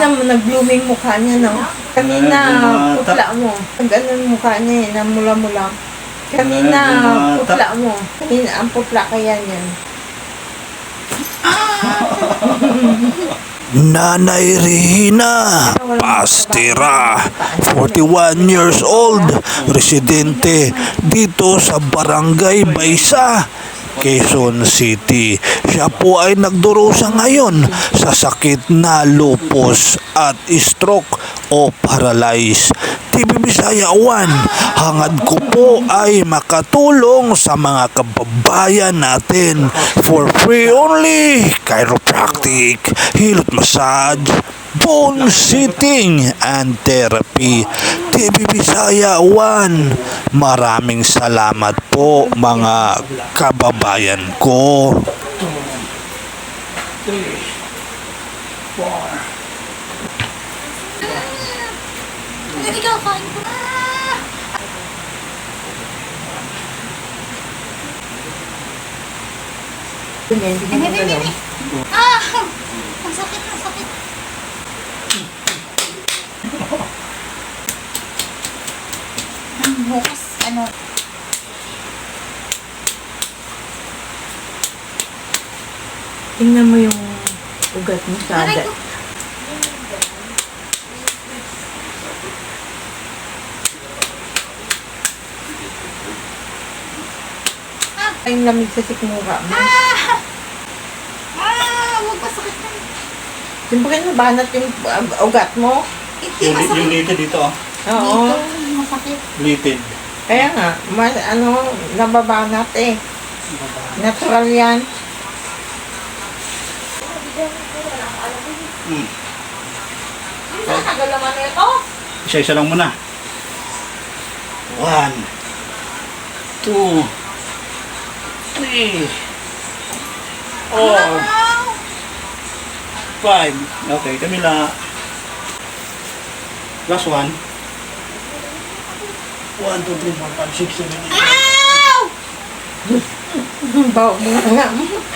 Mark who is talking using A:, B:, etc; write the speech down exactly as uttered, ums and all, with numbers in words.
A: Tingnan mo, nag-blooming mukha niya, no? Kanina, putla mo. Ganun mukha niya, eh, namula-mula. Kanina, putla mo. Kanina, ang putla kaya niyan.
B: Nanay Rihina Pastera, forty-one years old, residente dito sa Barangay Baysa, Quezon City. Siya po ay nagdurusa ngayon sa sakit na lupus at stroke o paralyze. T V Bisaya one, hangad ko po ay makatulong sa mga kababayan natin for free only. Chiropractic, hilot massage, bone sitting and therapy. T V Bisaya one, maraming salamat po mga kababayan ko.
C: Three, four.
D: Hindi ka kain ko.
A: Hindi, hindi mo gano'n.
D: Ah! Ang sakit, ang sakit. Ang bukas, ano?
A: Tingnan mo yung ugat mo sa
D: Aray
A: agat.
D: ko.
A: Ay, yung lamig sa sikmura mo.
D: Ah! Ah! Huwag masakit na.
A: Siyempre, nabanat yung uh, ugat mo.
D: Hindi
C: Yung, yung
D: masakit.
C: litid dito, oh.
A: Oo.
D: Dito, masakit.
C: Litid.
A: Kaya nga, mas, ano, nababanat eh. Natural yan.
C: Hmm.
D: Ang tagal naman na ito.
C: Isa-isa lang muna. One. Two. Three. Four.
D: Wow!
C: Five. Okay, Camila. Last one. One, two, three, four, five, six, seven, eight.
D: Ow!
A: Bawa mo nga.